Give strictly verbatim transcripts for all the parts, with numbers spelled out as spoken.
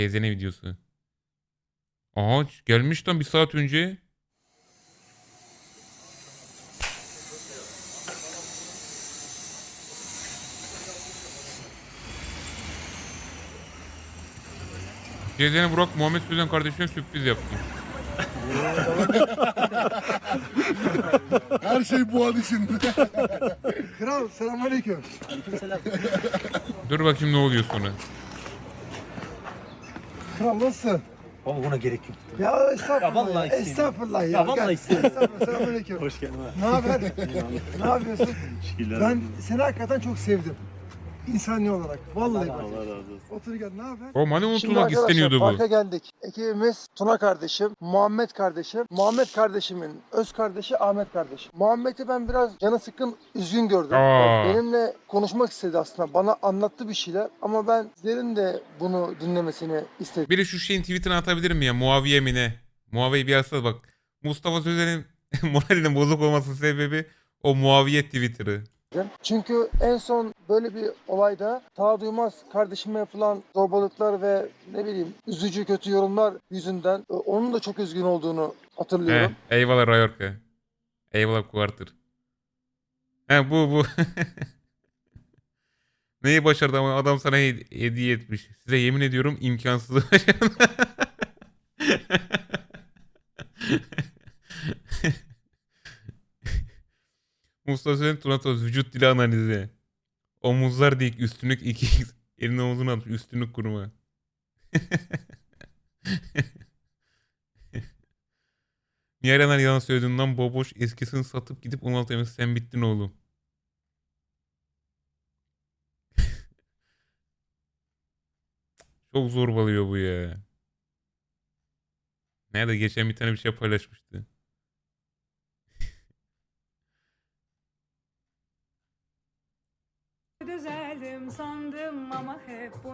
Teyzene videosu. Aha gelmiş lan bir saat önce. Teyzene Burak Muhammed Sözen kardeşine sürpriz yaptı. Her şey bu an için. Kral selamünaleyküm. Dur bakayım ne oluyor sonra. Kral nasılsın? Ama buna gerek yok. Ya estağfurullah. Ya vallahi ya, isteyeyim. Estağfurullah ya. Ya vallahi Gel. isteyeyim. Estağfurullah. Selamünaleyküm. Hoş geldin. Ne haber? Ne yapıyorsun? Şiirler. Ben seni hakikaten çok sevdim. İnsani olarak. Vallahi bak. Allah razı olsun. Otur gel ne haber? O hani Şimdi unutulmak arkadaşlar isteniyordu bu. parka geldik. Ekibimiz Tuna kardeşim, Muhammed kardeşim, Muhammed kardeşimin öz kardeşi Ahmet kardeşim. Muhammed'i ben biraz canı sıkkın, üzgün gördüm. Aa. Benimle konuşmak istedi aslında. Bana anlattı bir şeyler ama ben sizlerin de bunu dinlemesini istedim. Biri şu şeyin tweetini atabilir mi ya? Muaviye mi ne? Muaviye bir yazsana bak. Mustafa Sözen'in moralinin bozuk olmasının sebebi o Muaviye Twitter'ı. Çünkü en son böyle bir olayda Taha Duymaz kardeşime yapılan zorbalıklar ve ne bileyim üzücü kötü yorumlar yüzünden e, onun da çok üzgün olduğunu hatırlıyorum. He, eyvallah Rayorka. Eyvallah Quarter. He bu bu. Neyi başardı ama adam sana hed- hediye etmiş. Size yemin ediyorum imkansız başardı. Mustafa Sözen Tunatoz vücut dili analizi. Omuzlar dik üstünlük iki x. Elini omuzuna atmış üstünlük kurma. Niye Erenler yalan söylediğinden boboş eskisini satıp gidip on altı emesi sen bittin oğlum. Çok zorbalıyor bu ya. Nerede geçen bir tane bir şey paylaşmıştı. Düzeldim sandım ama hep bunu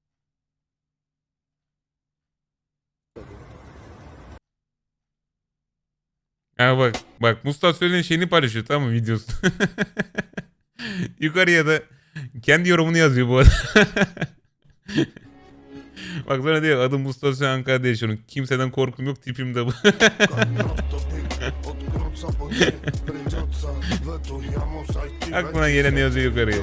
Ha bak bak Mustafa Sözen'in şeyini paylaşıyor tamam mı videosu. Yukarıya da kendi yorumunu yazıyor bu arada. Bak sonra diyor adım Mustafa Sözen Ankara'da yaşıyorum. Kimseden korkum yok tipim de bu. Aklına gelen yazıyor yukarıya.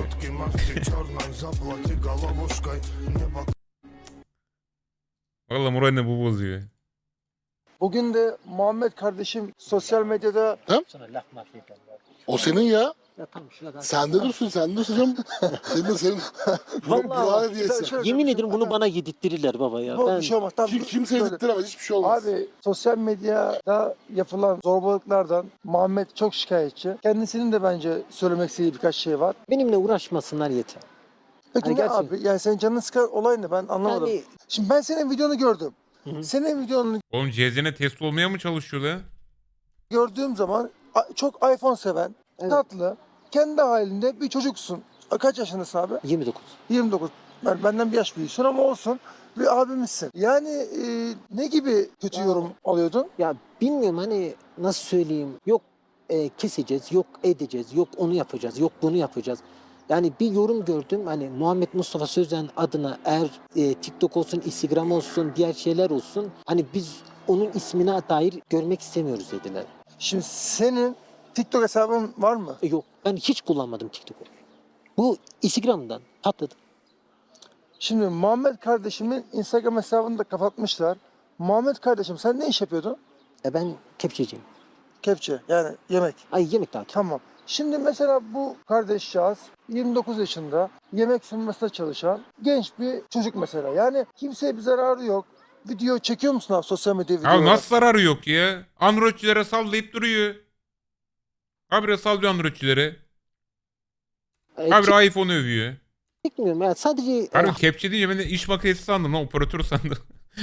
Valla moralini bu bozuyor. Bugün de Muhammed kardeşim sosyal medyada Sana laf maf yeter. O senin ya. Ya tamam şuna Sende dursun, sende dursun canım. Senin de senin. Vallahi Vallahi diyesen. Şöyle- Yemin ederim bunu bana yedirttirirler baba ya. Bu Ben bir şey olmaz. Tamam, Kim, dur, kimse söyle. yedirttiremez, hiçbir şey olmaz. Abi sosyal medyada yapılan zorbalıklardan Muhammed çok şikayetçi. Kendisinin de bence söylemek istediği birkaç şey var. benimle uğraşmasınlar yeter. Peki Hani ne gerçekten- abi? Yani senin canını sıkan olay ne? Ben anlamadım. Yani Şimdi ben senin videonu gördüm. Hı hı. Senin videonu Oğlum Cezene test olmaya mı çalışıyor la? gördüğüm zaman a- çok iPhone seven, Evet. tatlı, kendi halinde bir çocuksun. A, Kaç yaşındasın abi? yirmi dokuz. yirmi dokuz. Ben, benden bir yaş büyüksün ama olsun. Bir abimizsin. Yani e, ne gibi kötü Ya. yorum alıyordun? Ya bilmiyorum hani nasıl söyleyeyim. Yok e, keseceğiz, yok edeceğiz, yok onu yapacağız, yok bunu yapacağız. Yani bir yorum gördüm hani Muhammed Mustafa Sözen adına eğer e, TikTok olsun, Instagram olsun, diğer şeyler olsun. Hani biz onun ismine dair görmek istemiyoruz dediler. Şimdi senin TikTok hesabın var mı? E, yok ben hiç kullanmadım TikTok'u. Bu Instagram'dan patladı. Şimdi Muhammed kardeşimin Instagram hesabını da kapatmışlar. Muhammed kardeşim sen ne iş yapıyordun? E, ben kepçeciyim. Kepçe yani yemek. Ay yemek dağıtıyorum. Tamam. Şimdi mesela bu kardeşcağız yirmi dokuz yaşında yemek sunmasında çalışan genç bir çocuk mesela. Yani kimseye bir zararı yok. Video çekiyor musun abi sosyal medya Ya videoları? nasıl zararı yok ya? Androidçilere sallayıp duruyor. Habire sallıyor Androidçilere. E, Habire iPhone övüyor. çekmiyorum ya sadece e, Harbi kepçe deyince ben de iş makinesi sandım lan operatör sandım.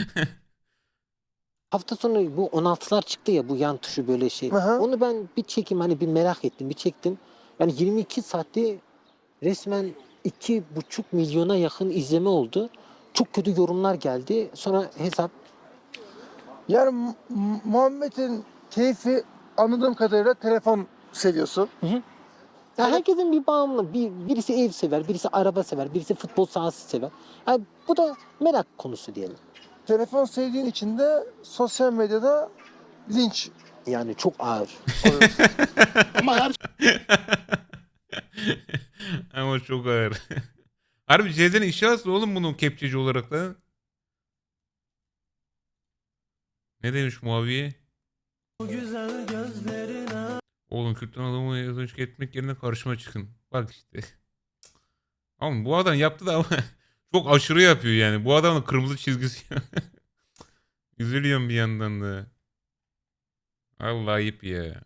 hafta sonu bu on altılar çıktı ya bu yan tuşu böyle şey. Hı hı. Onu ben bir çekeyim hani bir merak ettim bir çektim. Yani yirmi iki saatte resmen iki buçuk milyona yakın izleme oldu. Çok kötü yorumlar geldi. Sonra hesap Yani Mu- Mu- Muhammed'in keyfi anladığım kadarıyla telefon seviyorsun. ya herkesin bir bağımlı. Bir, birisi ev sever, birisi araba sever, birisi futbol sahası sever. Yani bu da merak konusu diyelim. telefon sevdiğin için de sosyal medyada linç Yani çok ağır. oluyorsun. Ama her Ama çok ağır. Harbi Cezene işe alsın oğlum bunun kepçeci olarak da. Ne demiş Muaviye? Oğlum Kürt'ten adamı yazıcı etmek yerine karşıma çıkın. Bak işte. Ama bu adam yaptı da ama çok aşırı yapıyor yani. Bu adamın kırmızı çizgisi. Üzülüyorum bir yandan da. Allah ayıp ya.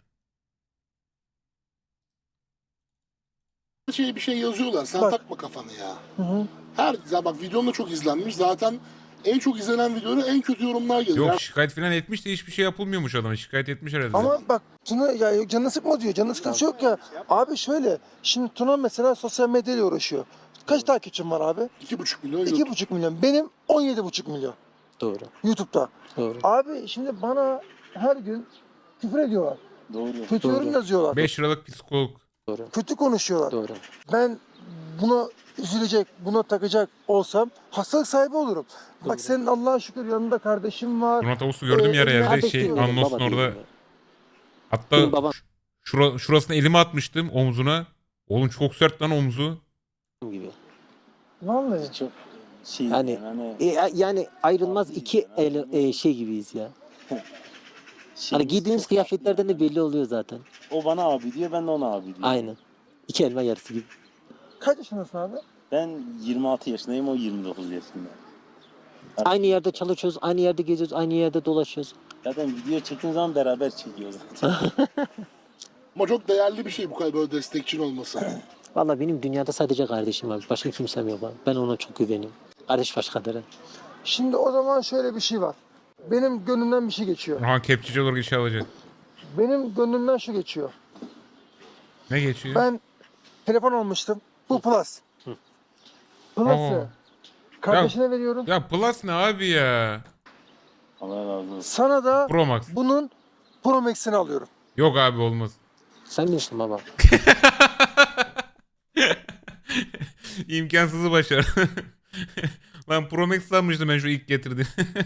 şeye bir şey yazıyorlar. Sen Bak. takma kafanı ya. Hı hı. Her ya bak videom da çok izlenmiş. Zaten en çok izlenen videonun en kötü yorumlar geliyor. Yok şikayet falan etmiş de hiçbir şey yapılmıyormuş adama. Şikayet etmiş herhalde. Ama bak Tuna ya yok, canını sıkma diyor. Canını sıkıntı yok ya. Abi şöyle. Şimdi Tuna mesela sosyal medyayla uğraşıyor. Kaç takipçim var abi? iki buçuk milyon iki buçuk milyon. Benim on yedi buçuk milyon Doğru. YouTube'da. Doğru. Abi şimdi bana her gün küfür ediyorlar. Doğru. Kötü Doğru. yorum yazıyorlar. beş liralık psikolog. Doğru. Kötü konuşuyorlar. Doğru. Ben buna üzülecek, buna takacak olsam hastalık sahibi olurum. Doğru. Bak senin Allah'a şükür yanında kardeşim var. Murat Ağustos'u gördüm Ee, yer yerde kardeş şey diyorum, Anlos'un Baba orada. diyorum ya. Hatta Benim babam şura, şurasına elimi atmıştım omzuna. Oğlum çok sert lan omzu. gibi. Vallahi. Çok şey Yani- yani, E, yani ayrılmaz iki el, e, şey gibiyiz ya. şey, Hani giydiğimiz çok kıyafetlerden de belli oluyor zaten. O bana abi diyor, ben de ona abi diyorum. Aynen. İki elma yarısı gibi. Kaç yaşındasın abi? Ben yirmi altı yaşındayım, o yirmi dokuz yaşında. Aynı yerde çalışıyoruz, aynı yerde geziyoruz, aynı yerde dolaşıyoruz. Zaten video çektiğim zaman beraber çekiyoruz zaten. Ama çok değerli bir şey bu kadar böyle destekçin olması. Vallahi benim dünyada sadece kardeşim var. Başka kimsem yok abi. Ben ona çok güveniyorum. Kardeş başkadır. ha. Şimdi o zaman şöyle bir şey var. Benim gönlümden bir şey geçiyor. Ha kepçeci olarak işe alacak. Benim gönlümden şu geçiyor. Ne geçiyor? Ben telefon almıştım. Bu Plus. Plus'ı Oo. kardeşine veriyorum. Ya Plus ne abi ya? Allah razı olsun. Sana da Pro Max. bunun Pro Max'ini alıyorum. Yok abi olmaz. Sen bilirsin baba. İmkansızı başar. Lan Pro Max sanmıştım ben şu ilk getirdi.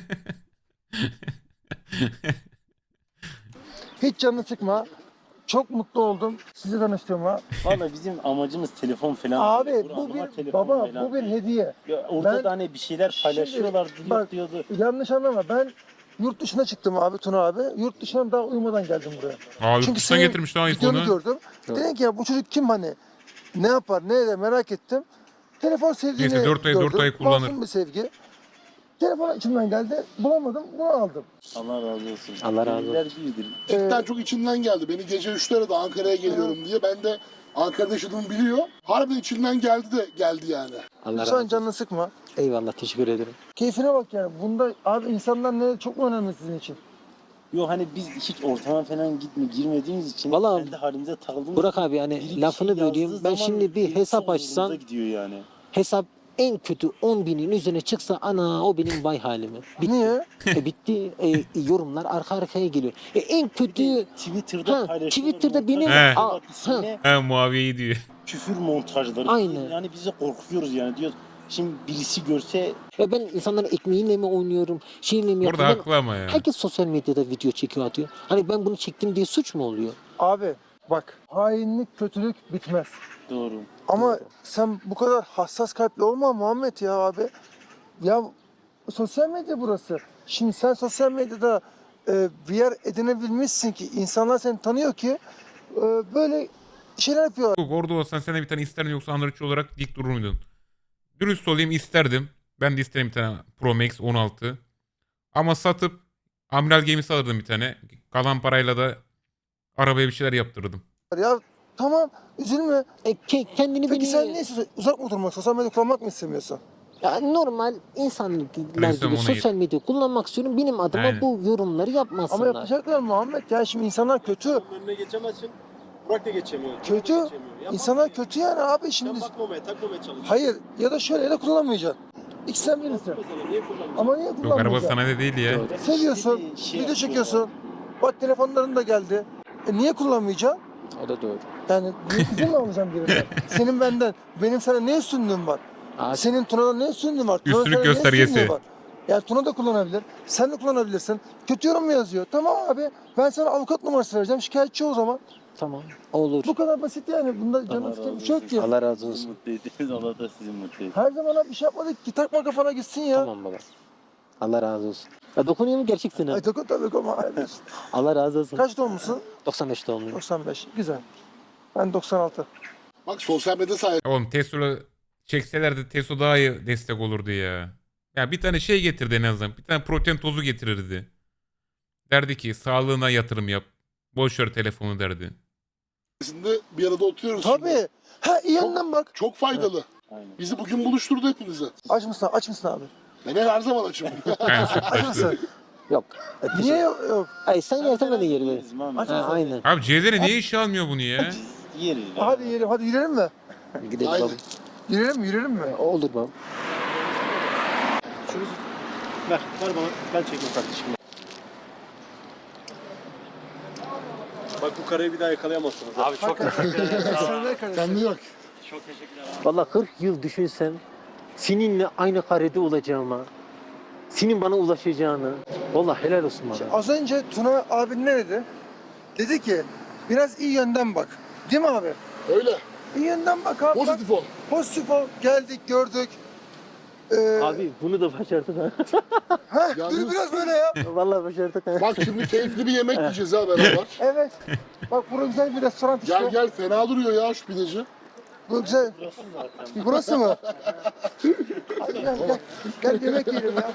Hiç canını sıkma. Çok mutlu oldum sizi tanıştığıma. Valla bizim amacımız telefon falan. Abi değil. bu Ama bir telefon baba falan bu bir değil. hediye. Ya orada Ben- da hani bir şeyler Şimdi paylaşıyorlar bak- diyordu. Yanlış anlama ben yurt dışına çıktım abi Tuna abi. Yurt dışından daha uyumadan geldim buraya. Aa Çünkü yurt dışına senin getirmiş daha Videonu iPhone'u. gördüm. Evet. Dedim ki ya bu çocuk kim hani? Ne yapar ne eder merak ettim. Telefon sevdiğini Neyse, dört ay- dört gördüm. ay kullanır. Masum bir sevgi. Telefon içimden geldi. Bulamadım. Bunu aldım. Allah razı olsun. Allah razı olsun. Gönüller büyüdür. Cidden Ee, çok içinden geldi. Beni gece üçlere de Ankara'ya geliyorum diye. Ben de Ankara'da yaşadığımı biliyor. Harbiden içinden geldi de geldi yani. Allah razı Sen olsun. canını sıkma. Eyvallah teşekkür ederim. Keyfine bak yani. Bunda abi insanlar ne çok mu önemli sizin için? Yok hani biz hiç ortama falan gitme girmediğimiz için Vallahi kendi halimize takıldığımız Burak abi hani biri bir lafını şey böleyim. yazdığı Ben zaman şimdi bir benim hesap çok açsam zorumuza gidiyor yani. hesap en kötü on binin üzerine çıksa ana o benim vay halimi. Bitti. Niye? E, bitti. E, yorumlar arka arkaya geliyor. E, en kötü Twitter'da Ha, paylaşılır. Twitter'da benim- He. Aa, ismine Ha Muaviye'yi diyor. küfür montajları. Aynen. Yani bize korkuyoruz yani diyoruz. Şimdi birisi görse e, ben insanların ekmeğiyle mi oynuyorum, şeyle mi Orada yapıyorum? Ben- haklı ama ya. Herkes sosyal medyada video çekiyor atıyor. Hani ben bunu çektim diye suç mu oluyor? Abi bak hainlik kötülük bitmez. doğru. Ama Doğru. sen bu kadar hassas kalpli olma Muhammed ya abi. Ya sosyal medya burası. Şimdi sen sosyal medyada e, bir yer edinebilmişsin ki insanlar seni tanıyor ki e, böyle şeyler yapıyor. Yok, orada olsan sen de bir tane isterdin yoksa Androidçi olarak dik durur muydun? Dürüst olayım isterdim. Ben de isterim bir tane Pro Max on altı. Ama satıp Amiral Games'i alırdım bir tane. Kalan parayla da arabaya bir şeyler yaptırırdım. Ya tamam üzülme. E, ke- kendini Peki beni... sen ne istiyorsun? Uzak mı oturmak, sosyal medya kullanmak mı istemiyorsun? Ya normal insanlar Lütfen gibi ona sosyal medya kullanmak istiyorum. Benim adıma Aynen. bu yorumları yapmasınlar. Ama yapacaklar Muhammed. Ya şimdi insanlar kötü. Önüne geçemezsin. Burak da geçemiyor. Kemal de Kötü. geçemiyor. Ya İnsanlar bakma kötü yani abi ya. şimdi. Sen bakmamaya, takmamaya çalış. Hayır ya da şöyle ya da kullanmayacaksın. İkisinden birisi. Mesela niye kullanmıyorsun? Ama niye Yok araba kullanmayacaksın? sana de değil ya. Doğru. Seviyorsun, İşte bir şey video yapıyor. çekiyorsun. Bak telefonların da geldi. E niye kullanmayacaksın? O da doğru. Yani niye izin mi alacağım birinden? Senin benden, benim sana ne üstünlüğüm var? Abi, Senin Tuna'dan ne üstünlüğün var? Tuna'nın Üstünlük sana ne göstergesi. üstünlüğü var? Yani Tuna da kullanabilir. Sen de kullanabilirsin. Kötü yorum mu yazıyor? Tamam abi. Ben sana avukat numarası vereceğim. Şikayetçi o zaman. Tamam. Olur. Bu kadar basit yani. Bunda Allah canı razı sıkıntı bir şey yok olsun. ki. Allah razı Sizi olsun. mutlu ettiniz. Allah da sizi mutlu etsin. Her zaman abi bir şey yapmadık ki. Takma kafana gitsin ya. Tamam baba. Allah razı olsun. Ya dokunuyor mu gerçeksin ha? Ay takın tabii ki ama. Allah razı olsun. Kaç doğumlusun? doksan beş doğumluyum. doksan beş. Güzel. Ben doksan altı. Bak sosyal medya sayesinde Oğlum Tesla çekselerdi Tesla daha iyi destek olurdu ya. Ya bir tane şey getirdi en azından. Bir tane protein tozu getirirdi. Derdi ki sağlığına yatırım yap. Boş ver telefonu derdi. bir arada oturuyoruz. şimdi. Tabii. Ha iyi yanından bak. Çok faydalı. Aynen. Bizi bugün buluşturdu hepinizi. Aç mısın? Aç mısın abi? Ben her zaman açım. Yani süt Aç taştı. mısın? Yok. Niye yok? yok? Ay sen yersen ben de yerim. Bizim abi. Aç Ha, mısın? aynen. Abi Cezene niye işe almıyor bunu ya? Yeriz. Hadi yiyelim. Hadi yürüyelim mi? Gidelim Haydi. baba. Yürüyelim mi? Yürüyelim mi? Olur baba. Şunu ver, ver bana. Ben çekeyim kardeşim. Bak bu kareyi bir daha yakalayamazsınız. Abi çok Sen de kardeşim. Kendine bak. Vallahi kırk yıl düşünsem seninle aynı karede olacağıma, senin bana ulaşacağını. Vallahi helal olsun bana. Az önce Tuna abi ne dedi? Dedi ki biraz iyi yönden bak. Değil mi abi? Öyle. İyi yönden bak abi. Bak. Pozitif ol. Pozitif ol. Geldik, gördük. Ee, Abi bunu da başardın ha. ha, Yalnız- dur biraz böyle ya. Vallahi başardın ha. Bak şimdi keyifli bir yemek yiyeceğiz ha beraber. Evet. Bak burası güzel bir restoran işte. Gel gel fena duruyor ya şu pideci. Bu güzel. Burası mı? Hadi gel gel. Gel yemek yiyelim ya.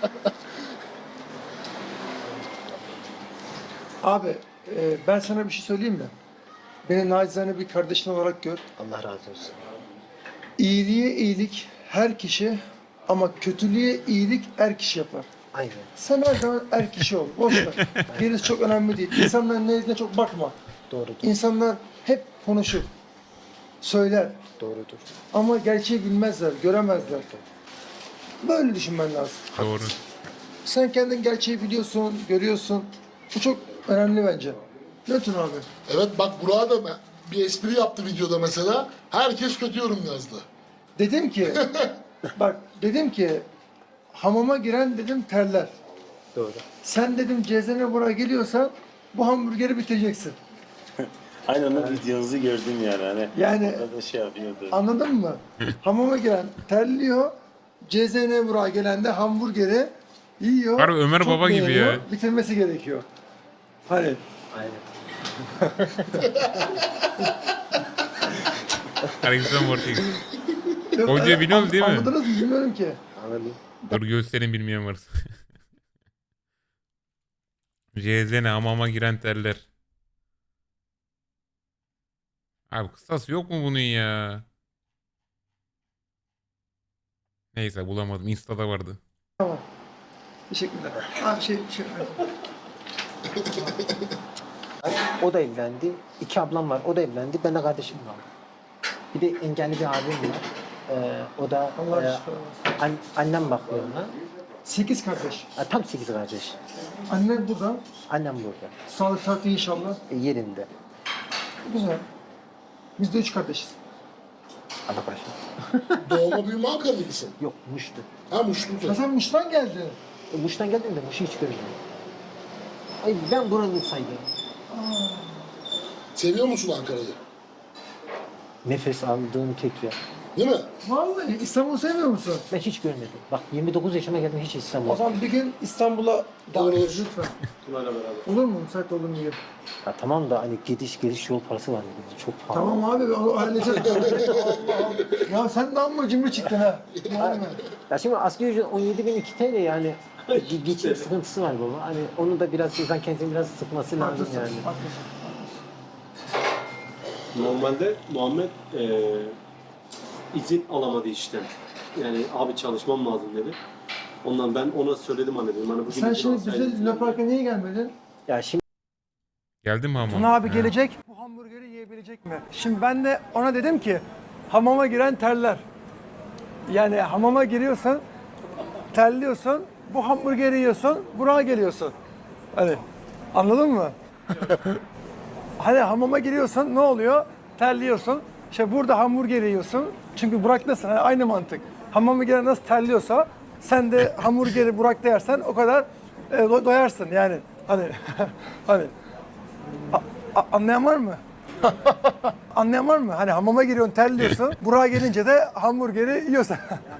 Abi e, ben sana bir şey söyleyeyim mi? Beni nacizane bir kardeşin olarak gör. Allah razı olsun. İyiliğe iyilik her kişi ama kötülüğe iyilik er kişi yapar. Aynen. Sen her zaman er kişi ol. Boş ver. Gerisi çok önemli değil. İnsanların ne dediğine çok bakma. Doğrudur. İnsanlar hep konuşur. Söyler. Doğrudur. Ama gerçeği bilmezler, göremezler. Böyle düşünmen lazım. Doğru. Sen kendin gerçeği biliyorsun, görüyorsun. Bu çok önemli bence. Ne Tuna abi? Evet bak Burak'a da me- bir espri yaptı videoda mesela. Herkes kötü yorum yazdı. Dedim ki, bak dedim ki hamama giren dedim terler. Doğru. Sen dedim cezene buraya geliyorsan bu hamburgeri bitireceksin. Aynen onun videonuzu gördüm yani. Hani Yani orada şey yapıyordu. anladın mı? Hamama giren terliyor. Cezene buraya gelen de hamburgeri yiyor. Harbi Ömer çok Baba gibi beğeniyor, ya. Bitirmesi gerekiyor. Hani Aynen. Alexander Mortis. Yok, Hocayı an- biliyorsunuz değil mi? Anladınız mı? Bilmiyorum ki. Anladım. Dur gösterin bilmeyen varsa. Cezene hamama giren terler. Abi kısası yok mu bunun ya? Neyse bulamadım. Insta'da vardı. Teşekkürler. Abi şey, şey. O da evlendi. İki ablam var. O da evlendi. Ben de kardeşim var. Bir de engelli bir abim var. Ee, o da Allah e, şifa versin. an- annem bakıyor ona. Sekiz kardeş. E, tam sekiz kardeş. Annen burada. Annem burada. Sağlık saati inşallah. E, yerinde. Güzel. Biz de üç kardeşiz. Allah başlasın. Doğma büyüme Ankara'lısın. Yok Muş'tu. Ha Muşlu. Ya sen Muş'tan geldin. E, Muş'tan geldim de Muş'u hiç görmedim. Ay ben buranın saydım. Seviyor musun Ankara'yı? Nefes aldığım tek yer. Değil mi? Vallahi İstanbul'u sevmiyor musun? Ben hiç görmedim. Bak yirmi dokuz yaşıma geldim hiç O İstanbul'a. zaman bir gün İstanbul'a davet Olur. et lütfen. Tuna'yla beraber. Olur mu? Müsait olur mu? diye. Ya tamam da hani gidiş geliş yol parası var dedi. Çok pahalı. Tamam abi o halledeceğiz. Allah Allah. Ya sen de amma cimri çıktın ha. Yani. Ya şimdi asgari ücret on yedi bin iki T L yani. Bir geçim sıkıntısı var baba. Hani onu da biraz insan kendini biraz sıkması lazım Haklısın, yani. haklısın. Normalde Muhammed eee izin alamadı işten. Yani abi çalışmam lazım dedi. Ondan ben ona söyledim hani dedim. Hani bugün Sen izin şimdi alsaydın bize Luna Park'a niye gelmedin? Ya şimdi Geldin mi hamama? Tuna abi He. gelecek. Bu hamburgeri yiyebilecek mi? Şimdi ben de ona dedim ki hamama giren terler. Yani hamama giriyorsan terliyorsun. Bu hamburgeri yiyorsun. Buraya geliyorsun. Hani anladın mı? Hani hamama giriyorsan ne oluyor? Terliyorsun. İşte burada hamburger yiyorsun. Çünkü Burak'tasın. Hani aynı mantık. Hamama giren nasıl terliyorsa Sen de hamburgeri Burak'ta yersen o kadar e, do- doyarsın yani. Hani hani A- a- anlayan var mı? Anlayan var mı? Hani hamama giriyorsun, terliyorsun. Burak'a gelince de hamburgeri yiyorsun.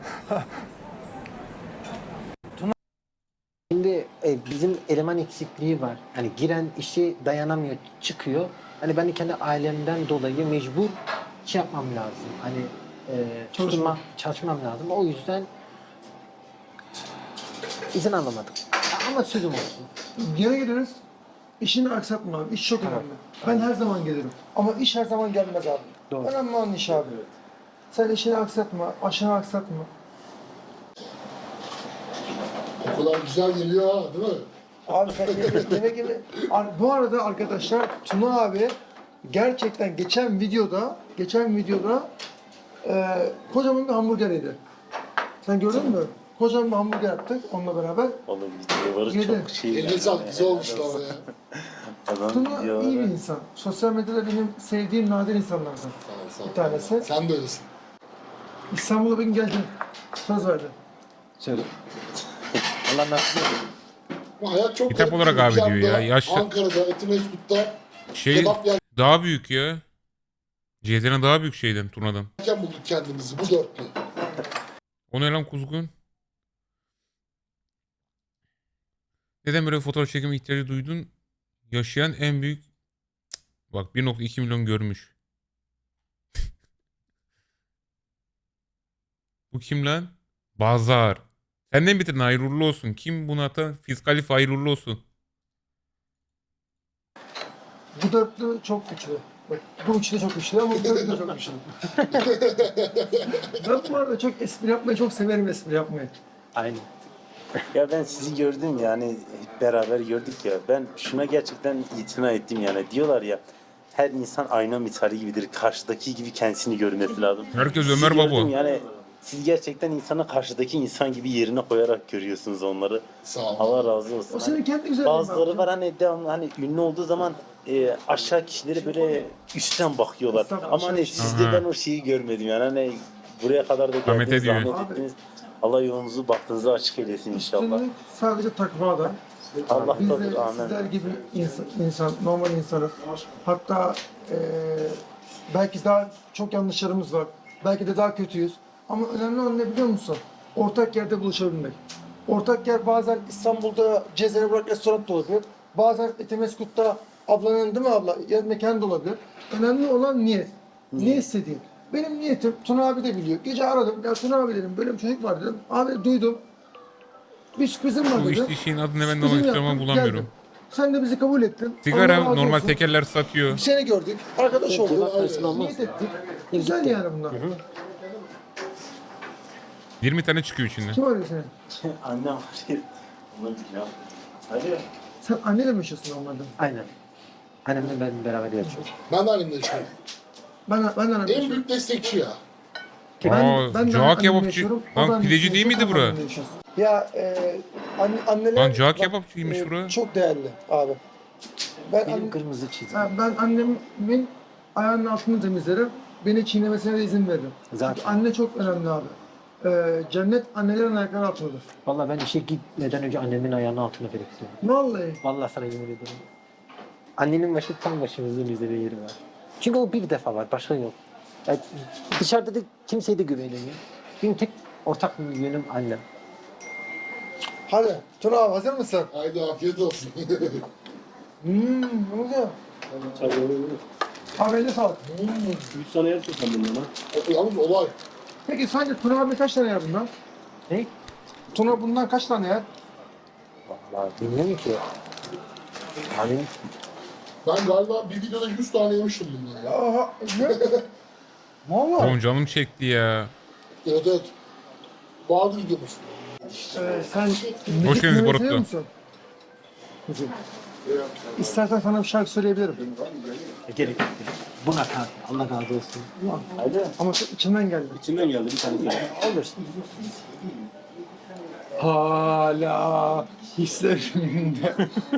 Şimdi e, bizim eleman eksikliği var. Hani giren işe dayanamıyor, çıkıyor. Hani ben de kendi ailemden dolayı mecbur şey yapmam lazım. Hani e, çalışma, çalışmam lazım. O yüzden izin alamadım. Ama sözüm olsun. Gene geliriz. İşini aksatma abi. İş çok önemli. Ben her zaman gelirim. Ama iş her zaman gelmez abi. Doğru. Önemli olan iş abi. Sen işini aksatma, aşını aksatma. O kadar güzel geliyor ha, değil mi? Abi sen yemek, yemek yeme. Ar- Bu arada arkadaşlar Tuna abi gerçekten geçen videoda, geçen videoda e, kocaman bir hamburger yedi. Sen gördün mü? Kocaman bir hamburger yaptık onunla beraber. Oğlum videoları Yedi. çok şey. Eline sağlık, güzel olmuş ama ya. Adam Tuna iyi bir videoları. insan. Sosyal medyada benim sevdiğim nadir insanlardan Sağ ol, sağ ol. bir tanesi. Sen de öylesin. İstanbul'a bir gün geleceğim. Söz verdi. Söyle. Allah nasip etsin. Ama hayat çok Kitap garip. olarak abi Bir diyor ya, anda yaşlı- Ankara'da, Etimesgut'ta Şey kebap daha büyük ya. C Z N daha büyük şeyden, turnadan. yerken bulduk kendimizi, bu dörtlü. O ne lan kuzgun? Neden böyle fotoğraf çekimi ihtiyacı duydun? Yaşayan en büyük... Cık, bak bir nokta iki milyon görmüş. Bu kim lan? Bazar. Senden bitirin, hayırlı uğurlu olsun. Kim bunu atan? Fiskalif hayırlı uğurlu olsun. Bu dörtlü çok güçlü. Bak, bu üçlü çok güçlü ama bu dörtlü de çok güçlü. Ben bu arada çok espri yapmayı çok severim espri yapmayı. Aynen. Ya ben sizi gördüm yani hep beraber gördük ya. Ben şuna gerçekten itina ettim yani. Diyorlar ya her insan ayna misali gibidir. Karşıdaki gibi kendisini görmesi lazım. Herkes Sizi Ömer gördüm Baba. Yani siz gerçekten insanı karşıdaki insan gibi yerine koyarak görüyorsunuz onları. Sağ ol. Allah razı olsun. O senin kendi güzelliğin. Bazıları abi. var hani devamlı hani ünlü olduğu zaman e, aşağı kişileri böyle üstten bakıyorlar. Üstten Ama hani aşağı- sizde Aha. ben o şeyi görmedim yani hani buraya kadar da Ahmet geldiniz, ediyor. zahmet Abi. ettiniz. Allah yolunuzu baktığınızı açık eylesin inşallah. Üstünlük sadece takvada. Allah Biz de tabii amin. sizler gibi insan, insan normal insanız. Hatta eee, belki daha çok yanlışlarımız var. Belki de daha kötüyüz. Ama önemli olan ne biliyor musun? Ortak yerde buluşabilmek. Ortak yer bazen İstanbul'da Cezene Burak restoran da olabilir. Bazen Etimesgut'ta ablanın değil mi abla? Yer mekan da olabilir. Önemli olan niyet. Ne istediğin. Benim niyetim, Tuna abi de biliyor. Gece aradım. Ya Tuna abi dedim, böyle bir çocuk var dedim. Abi duydum. Bir sürprizim var Bu dedim. işte şeyin adını ben de Sürprizimi almak istiyorum ama yaptım, bulamıyorum. geldim. Sen de bizi kabul ettin. Allah Sigara razı normal olsun. tekerler satıyor. Bir sene gördük. Arkadaş olduk. Cevap versin olmaz. Niyet ettik. Güzel yani bunlar. yirmi tane çıkıyor içinden. Kim arıyor seni? Annem var ya. Onu ya. Alo. Sen anneyle mi yaşıyorsun normalde? Aynen. Annemle ben beraber yaşıyoruz. Ben de annemle yaşıyorum. Ben, ben de annemle En yaşıyorum. büyük destekçi ya. Aa, de cağ annemle kebapçı. yaşıyorum, o da Lan annemle pideci değil yaşıyor, miydi ben de bura? annemle yaşıyoruz. Ya e, anne, anneler... Lan cağ bak, kebapçıymış e, bura. Çok değerli abi. Ben, Benim anne- kırmızı çizgim. Ha, ben annemin ayağının altını temizlerim. Beni çiğnemesine de izin veririm. Zaten. Çünkü anne çok önemli abi. Ee, cennet annelerin ayakları altındadır. Vallahi ben işe gitmeden önce annemin ayağının altına bırakıyorum. Vallahi. Vallahi sana yemin ederim. Annenin başı tam başımızın üzerinde yeri var. Çünkü o bir defa var, başka yok. Yani dışarıda da kimseye de güvenemiyor. Benim tek ortak yönüm annem. Hadi Tuna abi hazır mısın? Haydi afiyet olsun. Hmm, ne oluyor? Tabii öyle. Abi eline sağlık. Üç tane yer tutan bundan ha. O- Yalnız olay. Peki sence Tuna abi kaç tane yer bundan? Ne? Tuna bundan kaç tane yer? Vallahi bilmiyorum ki. Abi Ben galiba bir videoda yüz tane yemiştim bundan ya. Aha, ne? Valla. Oğlum canım çekti ya. Evet evet. Vardı videomuz. Ee, sen Hoş müzik geldiniz dinlemeyi Barutlu. seviyor musun? Müzik. İstersen sana bir şarkı söyleyebilirim. gerek yok. Buna kal. Allah razı olsun. Alo. Ama çok içimden geldi. İçinden geldi bir tane. Olur. Hala hislerimde,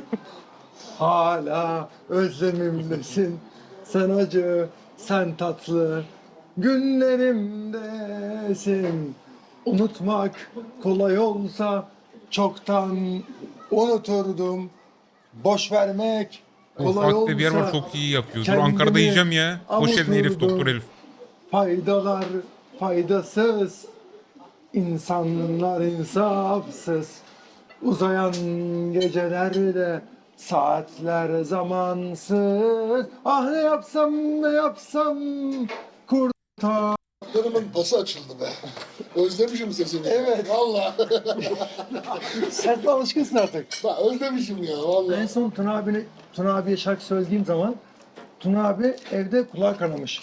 hala özlemimdesin. Sen acı, sen tatlı, günlerimdesin. Unutmak kolay olsa çoktan unuturdum. Boş vermek O kolay Fatih'te bir yer var olsa çok iyi yapıyor. Dur kendimi Ankara'da yiyeceğim ya. Hoş geldin Elif, avuturdum. Doktor Elif. Faydalar faydasız, insanlar insafsız. Uzayan gecelerde saatler zamansız. Ah ne yapsam ne yapsam kurtar. Karımın pası açıldı be. Özlemişim sesini. Evet. Valla. Sen de alışkınsın artık. Ben özlemişim ya En valla. son Tuna abine, Tuna abiye şarkı söylediğim zaman Tuna abi evde kulağı kanamış.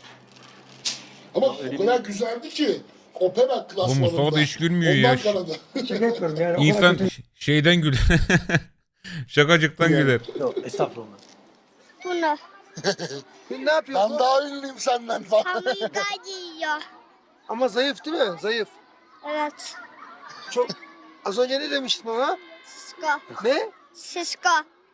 Ama o kadar güzeldi ki. Opera Bu klasmanında. Mustafa da hiç gülmüyor Ondan ya. kanadı. Şaka yapıyorum yani. o kadar İnsan kötü- şeyden güler. Şakacıktan Yani. güler. Yok estağfurullah. Bunu Ne yapıyorsun? Ben daha ünlüyüm senden falan. hamburger yiyor. Ama zayıf değil mi? Zayıf. Evet. Çok. Az önce ne demiştin bana? Sisko. Ne? Sisko.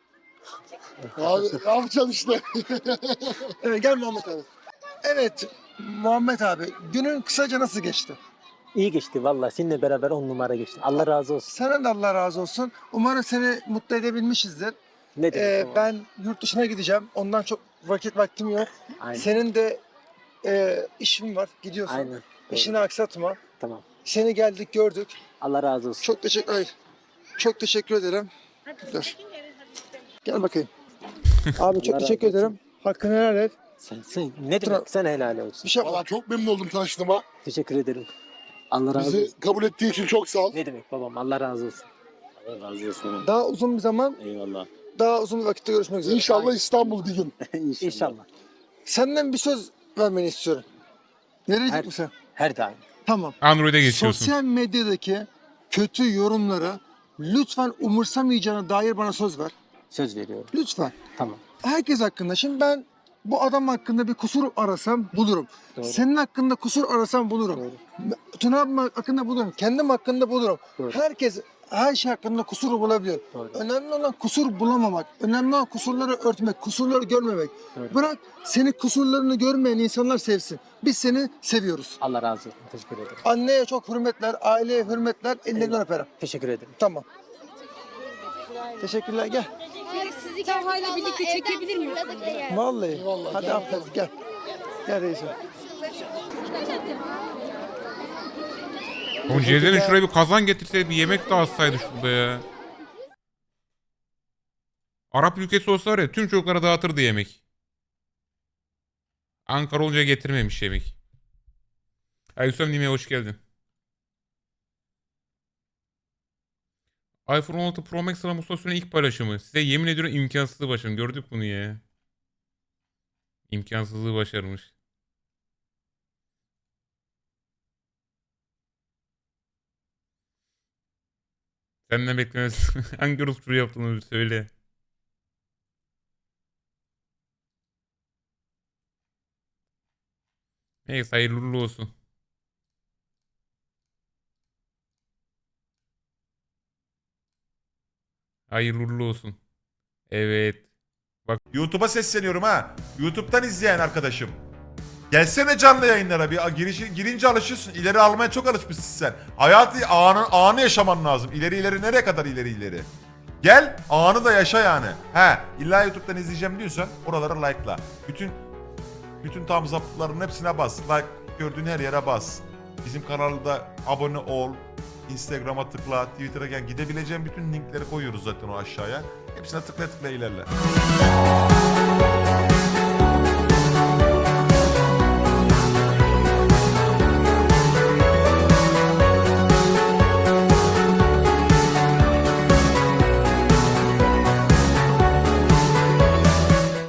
Abi ne yapacaksın işte. Evet gel Muhammed abi. Evet Muhammed abi günün kısaca nasıl geçti? İyi geçti vallahi. Seninle beraber on numara geçti. Allah razı olsun. Sana da Allah razı olsun. Umarım seni mutlu edebilmişizdir. Ne demek Ee, o? ben yurt dışına gideceğim. Ondan çok vakit vaktim yok. Aynen. Senin de e, işin var. Gidiyorsun. Aynen. Doğru. İşini aksatma. Tamam. Seni geldik gördük. Allah razı olsun. Çok teşekkür Ay, Çok teşekkür ederim. Dur. Gel bakayım. Abi çok Allah teşekkür razı olsun. ederim. Hakkını helal et. Sen, sen ne demek? Sen helal olsun. Bir şey yapma. Valla çok memnun oldum tanıştığıma. Teşekkür ederim. Allah razı olsun. Bizi kabul ettiği için çok sağ ol. Ne demek babam? Allah razı olsun. Allah razı olsun. Daha uzun bir zaman, Eyvallah. daha uzun bir vakitte görüşmek üzere. İnşallah İstanbul bir gün. İnşallah. Senden bir söz vermeni istiyorum. Verecek Her- misin? Her daim. Tamam. Android'e geçiyorsun. Sosyal medyadaki kötü yorumları lütfen umursamayacağına dair bana söz ver. Söz veriyorum. Lütfen. Tamam. Herkes hakkında. Şimdi ben bu adam hakkında bir kusur arasam bulurum. Doğru. Senin hakkında kusur arasam bulurum. Doğru. Tuna abim hakkında bulurum. Kendim hakkında bulurum. Doğru. Herkes her şey hakkında kusur bulabiliyor. Doğru. Önemli olan kusur bulamamak. Önemli olan kusurları örtmek, kusurları görmemek. Doğru. Bırak seni kusurlarını görmeyen insanlar sevsin. Biz seni seviyoruz. Allah razı olsun. Teşekkür ederim. Anneye çok hürmetler, aileye hürmetler, ellerinden öperim. Teşekkür ederim. Tamam. Teşekkürler gel. Sizi Talha'yla birlikte çekebilir miyiz? Vallahi. Eyvallah, Hadi gel. aferin gel. Gel reisim. Oğlum Cezer'in şuraya bir kazan getirseydi bir yemek dağıtsaydı şurada ya. Arap ülkesi olsa var ya tüm çocuklara dağıtırdı yemek. Ankara olunca getirmemiş yemek. Ayusam Nime'ye hoş geldin. iPhone on altı Pro Max sana Mustafa Sön'ün ilk paylaşımı. Size yemin ediyorum imkansızlığı başarım. Gördük bunu ya. İmkansızlığı başarmış. Senden beklemez. Hangi Rus turu yaptığını bir söyle. Neyse hayırlı uğurlu olsun. Hayırlı uğurlu olsun. Evet. YouTube'a sesleniyorum ha. YouTube'dan izleyen arkadaşım. Gelsene canlı yayınlara bir girişi, girince alışıyorsun. İleri almaya çok alışmışsın sen. Hayatı anı, anı yaşaman lazım. İleri ileri nereye kadar ileri ileri. Gel anı da yaşa yani. He illa YouTube'dan izleyeceğim diyorsan oralara like'la. Bütün bütün tam zaptların hepsine bas. Like gördüğün her yere bas. Bizim kanalda abone ol. Instagram'a tıkla, Twitter'a gel. Gidebileceğin bütün linkleri koyuyoruz zaten o aşağıya. Hepsine tıkla tıkla ilerle.